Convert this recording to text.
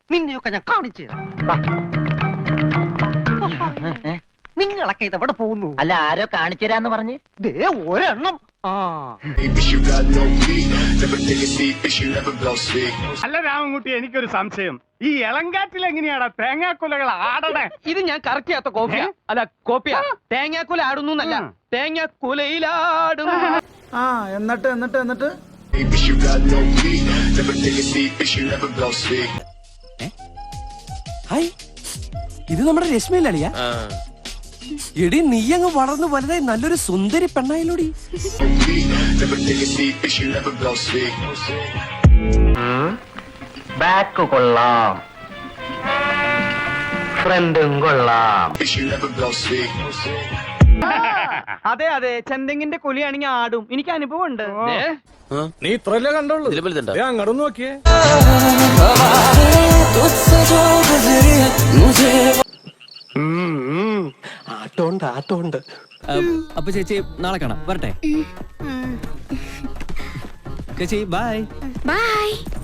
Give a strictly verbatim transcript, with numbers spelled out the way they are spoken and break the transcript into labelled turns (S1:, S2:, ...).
S1: നിന്നെയൊക്കെ ഞാൻ കാണിച്ചു നിങ്ങളൊക്കെ ഇതെവിടെ പോകുന്നു?
S2: അല്ല ആരോ കാണിച്ചു തരാന്ന് പറഞ്ഞ്
S1: ദേ ഒരെണ്ണം. ആ
S3: അല്ല രാമൻകുട്ടി, എനിക്കൊരു സംശയം. ഈ ഇളങ്കാറ്റിൽ എങ്ങനെയാടാ തേങ്ങാക്കൊലകൾ ആടണേ?
S1: ഇത് ഞാൻ കറക്റ്റ് ചെയ്യാത്ത കോപ്പിയാ. അല്ല കോപ്പിയാ. തേങ്ങാക്കുല ആടുന്നു എന്നല്ല, തേങ്ങാക്കുലയിലാടും.
S4: ആ എന്നിട്ട് എന്നിട്ട് എന്നിട്ട്
S5: ഹായ്, ഇത് നമ്മുടെ രശ്മിയിലളിയാ. എടി നീ അങ്ങ് വളർന്നു വലുതായി നല്ലൊരു സുന്ദരി പെണ്ണായിലൂടി.
S2: ബാക്ക് കൊള്ളാം, ഫ്രണ്ടും കൊള്ളാം.
S1: അതെ അതെ, ചെന്തെങ്ങിന്റെ കുലിയാണെങ്കിൽ ആടും. എനിക്ക് അനുഭവം ഉണ്ട്.
S5: നീ ഇത്രല്ലേ കണ്ടോളൂ, അങ്ങോട്ട് നോക്കിയേ. ആട്ടോണ്ട് ആട്ടോണ്ട്.
S6: അപ്പൊ ചേച്ചി നാളെ കാണാം, വരട്ടെ ചേച്ചി. Bye
S7: by.